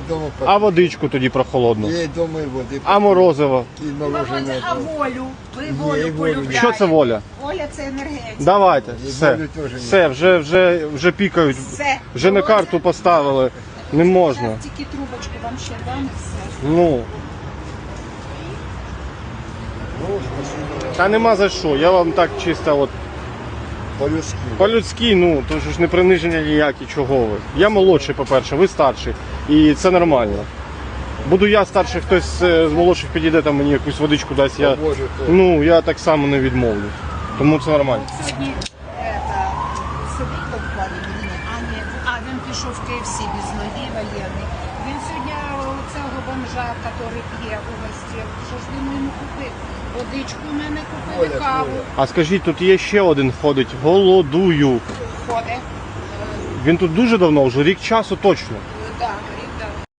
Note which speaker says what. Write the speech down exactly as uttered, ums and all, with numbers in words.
Speaker 1: вдома
Speaker 2: А водичку тоді прохолодну?
Speaker 1: Є вдома і води.
Speaker 2: А морозиво?
Speaker 1: І морожене.
Speaker 3: А волю? Ви
Speaker 1: Ні,
Speaker 3: волю
Speaker 1: волю.
Speaker 3: полюбляєте.
Speaker 2: Що це воля?
Speaker 3: Воля це енергетика.
Speaker 2: Давайте,
Speaker 1: І
Speaker 2: все,
Speaker 1: волю теж ні.
Speaker 2: все, вже, вже, вже пікають,
Speaker 3: Все.
Speaker 2: вже на карту поставили, не можна.
Speaker 3: Зараз тільки трубочку вам ще дам і все.
Speaker 2: Ну,
Speaker 1: Ну, спасибо.
Speaker 2: та нема за що, я вам так чисто от,
Speaker 1: По-людськи.
Speaker 2: по-людськи, ну, то ж не приниження ніякі, чого ви. Я молодший, по-перше, ви старший, і це нормально. Буду я старший, хтось е, з молодших підійде, там мені якусь водичку дасть, я,
Speaker 1: Боже, то.
Speaker 2: ну, я так само не відмовлюсь. Тому це нормально.
Speaker 3: От сьогодні ета, сидить там в парі, а ні, а він пішов в Київ Сі без ноги, воєнний. Він сьогодні у цього бомжа, який п'є у гості, що ж він йому купив? Водичку в мене купили,
Speaker 1: Оля,
Speaker 3: каву.
Speaker 1: Оля.
Speaker 2: А скажіть, тут є ще один ходить, голодую.
Speaker 3: Ходить.
Speaker 2: Він тут дуже давно, вже рік часу точно.